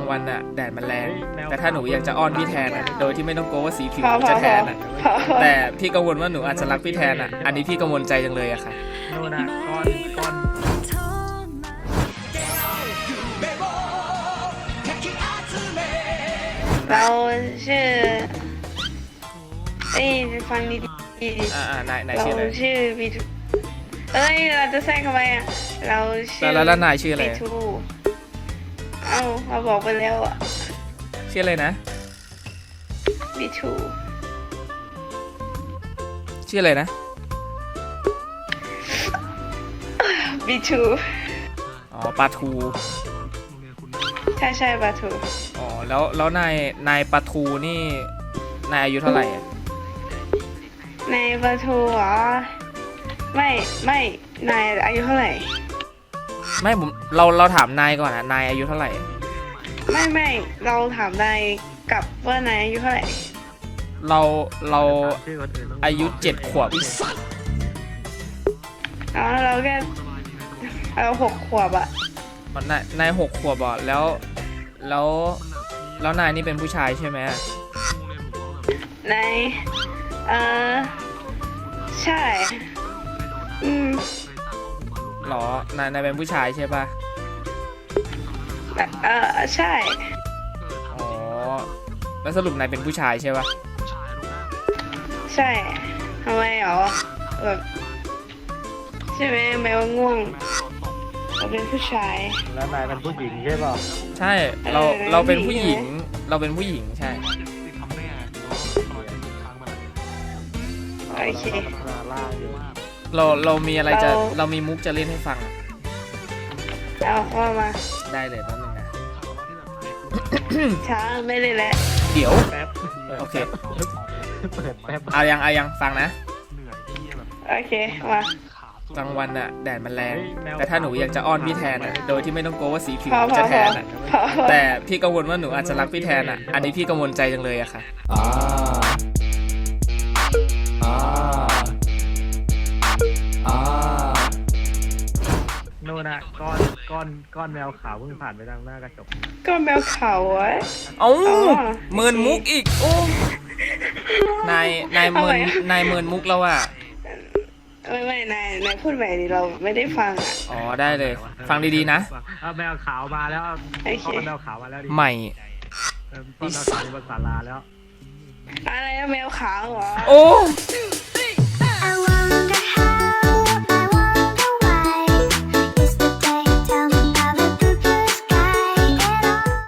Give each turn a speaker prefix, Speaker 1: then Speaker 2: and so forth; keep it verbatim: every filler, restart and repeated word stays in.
Speaker 1: วันอะแดดมันแรงแต่ถ้าหนูอยากจะอ้อนพี่แทนอะโดยที่ไม่ต้องกลัวว่าสีผิว
Speaker 2: พอ
Speaker 1: จะแทนอะ
Speaker 2: พอพอ
Speaker 1: แต่พี่กังวลว่าหนูอาจจะรักพี่แทนอะอันนี้พี่กังวลใจจังเลยอะค่ะ
Speaker 3: โน่นน่ะก้อนก้อน
Speaker 2: เราชื่อเอ้ยฟังดี
Speaker 1: อ่าอ่านาย
Speaker 2: ๆ
Speaker 1: นาย
Speaker 2: เรา
Speaker 1: ชื่ออะไร
Speaker 2: ชื่อบีทูเอ้ยเราจะแทรกทำไมอ่ะเราชื่อ
Speaker 1: แล้วแล้วนายชื่ออะไร
Speaker 2: บีทูเอ้าเราบอกไปแล้วอ่ะ
Speaker 1: ชื่ออะไรนะ
Speaker 2: บีทู
Speaker 1: ชื่ออะไรนะ
Speaker 2: บีทู
Speaker 1: อ๋อปลาทู
Speaker 2: ใช่ใช่บีทู
Speaker 1: อ๋อแล้วแล้วนายนายปลาทูนี่นายอายุเท่าไหร่อะ
Speaker 2: ในบีทูเหรอไม่ไม่นายอายุเท่าไหร่
Speaker 1: ไม่ผมเราเราถามนายก่อนอะนายอายุเท่าไหร่
Speaker 2: ไม่ไม่เราถามนายกลับว่านายอายุเท่าไหร่
Speaker 1: เราเรา
Speaker 3: ชื่อคนอื่นต้อง
Speaker 1: อายุเจ็ดขวบ
Speaker 2: อ๋อเราแค่เราหกขวบอะ
Speaker 1: อ๋อนายนายหกขวบอ่ะแล้วแล้วแล้วนายนี่เป็นผู้ชายใช่ไหม
Speaker 2: นายเออใช่อืม
Speaker 1: หรอนายนายเป็นผู้ชายใช่ปะ
Speaker 2: เออใช่
Speaker 1: อ๋อแล้วสรุปนายเป็นผู้ชายใช่ปะ
Speaker 2: ใช่ทำไมอ๋อแบบใช่ไหมแมวง่วงเราเป็นผู้ชาย
Speaker 3: แล้วนายเป็นผู้หญิงใช่ป่ะ
Speaker 1: ใช่เรา
Speaker 2: เออ
Speaker 1: เราเป็นผู้
Speaker 2: ผู้
Speaker 1: ห
Speaker 2: หญิ
Speaker 1: ญิง
Speaker 2: ง
Speaker 1: เราเป็นผู้หญิงใช่
Speaker 2: โอเค
Speaker 3: ล่างอยู่
Speaker 1: เราเรามีอะไรจะ
Speaker 2: เรา
Speaker 1: เรามีมุกจะเล่นให้ฟังอะ
Speaker 2: เอาเข้ามา
Speaker 1: ได้เลยแป๊บนึงนะ
Speaker 2: ช้าไม่ได้แล้ว
Speaker 1: เดี๋ยว
Speaker 3: แป๊บ
Speaker 1: โอเค
Speaker 3: เปิดแป๊บ
Speaker 1: เอายังเอายังฟังนะ
Speaker 2: โอเคมาก
Speaker 1: ลางวันอะแดดมันแรงแต่ถ้าหนูอยากจะอ้อนพี่แทนอะโดยที่ไม่ต้องกลัวว่าสีผิว
Speaker 2: พอพอ
Speaker 1: จะ
Speaker 2: พ
Speaker 1: แท
Speaker 2: อน
Speaker 1: อะ
Speaker 2: พอพอ
Speaker 1: แต่พี่กังวลว่าหนูอาจจะรักพี่แทนอ่ะ อันนี้พี่กังวลใจจังเลยอะค่ะ
Speaker 4: อ่าอ่าอ่า
Speaker 3: โน่นน่ะก้อนก้อนก้อนแมวขาวเพิ่งผ่านไปทางหน้ากระจก
Speaker 2: ก็แมวเขาวะ
Speaker 1: เอ้า
Speaker 2: อ๋อ
Speaker 1: เมินมุกอีก โอ้นายนายเมิน
Speaker 2: ทำไมอะ
Speaker 1: นายเมินมุกแล้วอะ
Speaker 2: ไม่ไม่นายนายพูดใหม่ดิเราไม่ได้ฟังอ่ะ
Speaker 1: อ๋อได้เลย ฟังดีๆนะ
Speaker 3: เอาแมวขาวมาแล้ว
Speaker 2: โอเค
Speaker 3: เอาแมวขาวมาแล้วดิ
Speaker 1: ใหม่
Speaker 3: เออต้นแมวขาวอยู่บนศาลาแล้ว
Speaker 2: อะไรอะแมวขาวเหรอ
Speaker 1: โอ้